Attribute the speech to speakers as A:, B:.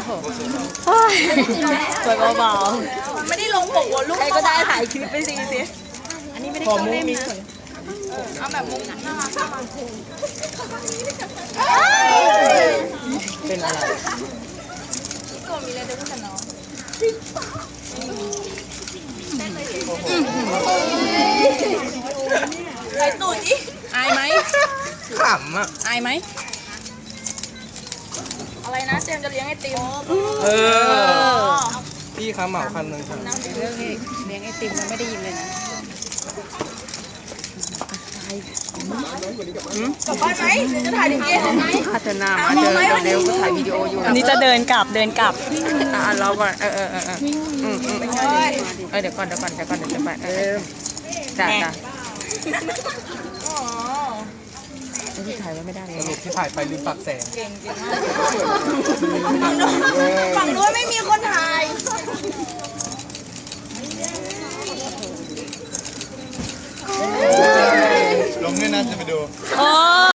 A: สวยเบา
B: ไม่ได้ลงปกวอลลุ่ม
A: ๆใครก็ได้ถ่ายคลิปไปสิอันนี้ไม่ได้เข้าเล่มนะ
B: เอาแบบมุมน่ารัก
C: เป็นอะไร
B: ก็มีอะไรเดินกันเนาะใส่ตูดดิ
A: อายไหม
C: ขำอ่ะ
A: อายไหม
B: อะไรนะเจมจะเลี้ยงไอติม
C: เออพี่ค้าเหมาคันหนึ่งครับ
A: เรื่องนี้เลี้ยงไอติมมันไม่ได้ยินเลยนะ
B: กลับบ้านไหมเดี๋ยวจะถ่ายถึงเย็นไหม
A: พัฒนามาเจอเร็วก็ถ่ายวิดีโออยู่อันนี้จะเดินกลับเราก่อนเดี๋ยวก่อนเดี๋ยวจะไปจ้าที่ถ่ายไว้ไม่ได้เลย
C: สรุปที่ถ่ายไปลืมปรับแสง
B: เก่งมากฝั่งนู้นไม่มีคนถ่าย
C: ลงด้วยนะจะไปดู
A: โอ้